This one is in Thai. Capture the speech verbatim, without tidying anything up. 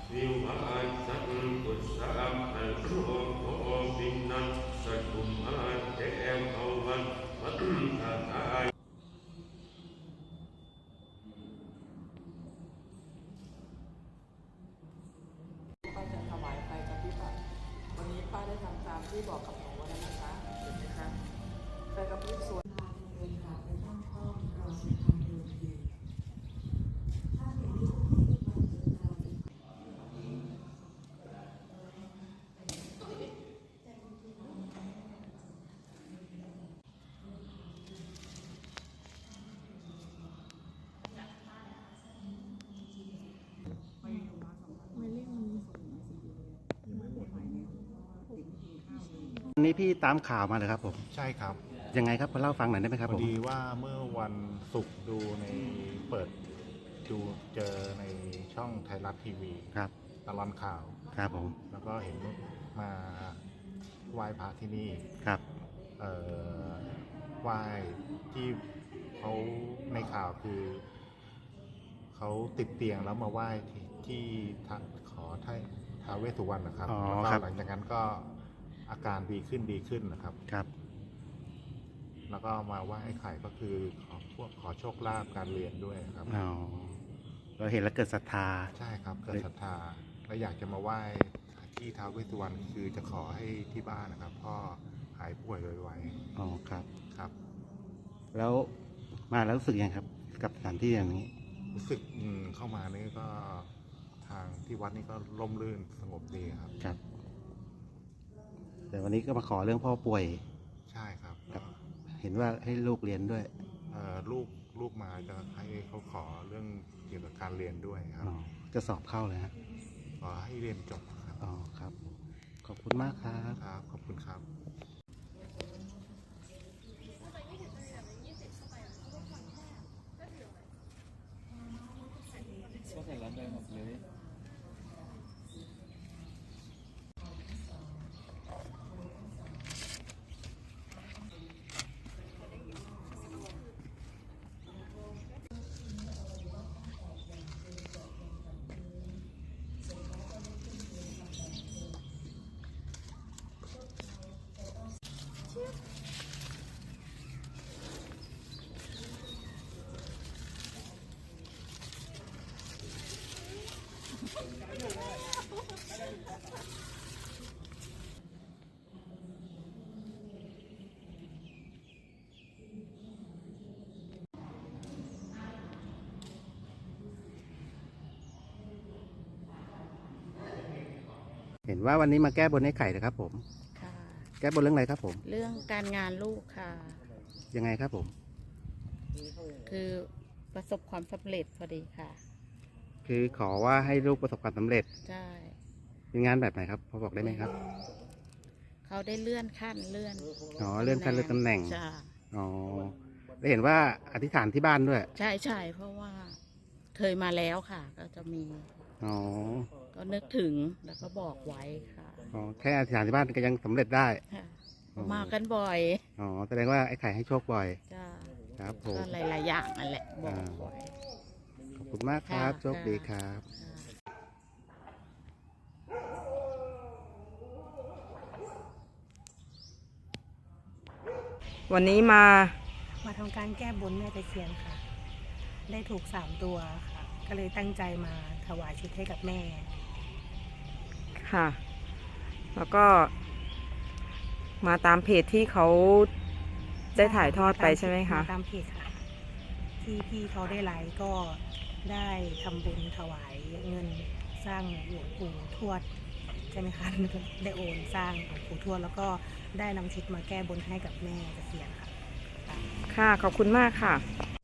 วิวัชชันตุสัพพะโลโควินัสสตุมาเตภวันวัฏฏตายป้าจะถวายไฟกับพี่ปัดวันนี้ป้าได้ทำตามที่บอกกับหนูแล้วนะคะเห็นไหมคะไฟกับพี่สวยวันนี้พี่ตามข่าวมาเลยครับผมใช่ครับยังไงครับมาเล่าฟังหน่อยได้ไหมครับพผอมดีว่าเมื่อวันศุกร์ดูในเปิดดูเจอในช่องไทยรัฐทีวีครับตลอดข่าวครับผมแล้วก็เห็นมาไหว้พระที่นี่ครับเอ่อไหว้ที่เขาในข่าวคือเขาติดเตียงแล้วมาไหว้ที่ที่ทางขอท้ายท้าวเวสสุวรรณนะครับอ๋อแล้วก็ครับหลังจากนั้นก็อาการดีขึ้นดีขึ้นนะครับครับแล้วก็มาไหว้ไอ้ไข่ก็คือขอพวกขอโชคลาภการเรียนด้วยครับอ๋อเราเห็นแล้วเกิดศรัทธาใช่ครับเกิดศรัทธาและอยากจะมาไหว้ที่ท้าวเวสสุวรรณคือจะขอให้ที่บ้านนะครับพ่อหายป่วยไวอ๋อครับๆครับแล้วมาแล้วรู้สึกยังครับ กับสถานที่อย่างนี้รู้สึกอืมเข้ามานี่ก็ทางที่วัดนี่ก็ร่มรื่นสงบดีครับครับ แต่วันนี้ก็มาขอเรื่องพ่อป่วยใช่ครับครับ เห็นว่าให้ลูกเรียนด้วยเอ่อลูกลูกมาจะให้เขาขอเรื่องเกี่ยวกับการเรียนด้วยครับอ๋อ จะสอบเข้าเลยฮะขอให้เรียนจบครับอ๋อครับ ขอบคุณมากครับครับขอบคุณครับก็ใส่แล้วเดินออกเลยเห็นว่าวันนี้มาแก้บนให้ไข่นะครับผมค่ะแก้บนเรื่องอะไรครับผมเรื่องการงานลูกค่ะยังไงครับผมคือประสบความสำเร็จพอดีค่ะคือขอว่าให้ลูกประสบความสำเร็จใช่เป็นงานแบบไหนครับ พอบอกได้ไหมครับเขาได้เลื่อนขั้นเลื่อนอ๋อ เลื่อนขั้นเลื่อนตำแหน่งจ้าอ๋อได้เห็นว่าอธิษฐานที่บ้านด้วยใช่ใช่เพราะว่าเคยมาแล้วค่ะ ก็จะมีอ๋อก็นึกถึงแล้วก็บอกไว้ค่ะอ๋อ แค่อธิษฐานที่บ้านก็ยังสำเร็จได้ค่ะอ๋อมากันบ่อยอ๋อ แสดงว่าไอ้ไข่ให้โชคบ่อยจ้าครับผมก็หลายๆอย่างนั่นแหละบอกอ่าไว้ขอบคุณมากครับค่ะโชคดีครับค่ะวันนี้มามาทำการแก้บนแม่ตะเคียนค่ะ ได้ถูกสามตัวค่ะ ก็เลยตั้งใจมาถวายชุดให้กับแม่ค่ะ แล้วก็มาตามเพจที่เขาได้ถ่ายทอดไปใช่ไหมคะตามเพจค่ะ ที่พี่เขาได้ไลฟ์ก็ได้ทำบุญถวายเงินสร้างหลวงปู่ทวดใช่ไหมคะ ได้โอนสร้างหลวงปู่ทวดแล้วก็ได้นำชุดมาแก้บนให้กับแม่ตะเคียนค่ะค่ะ ขอบคุณมากค่ะค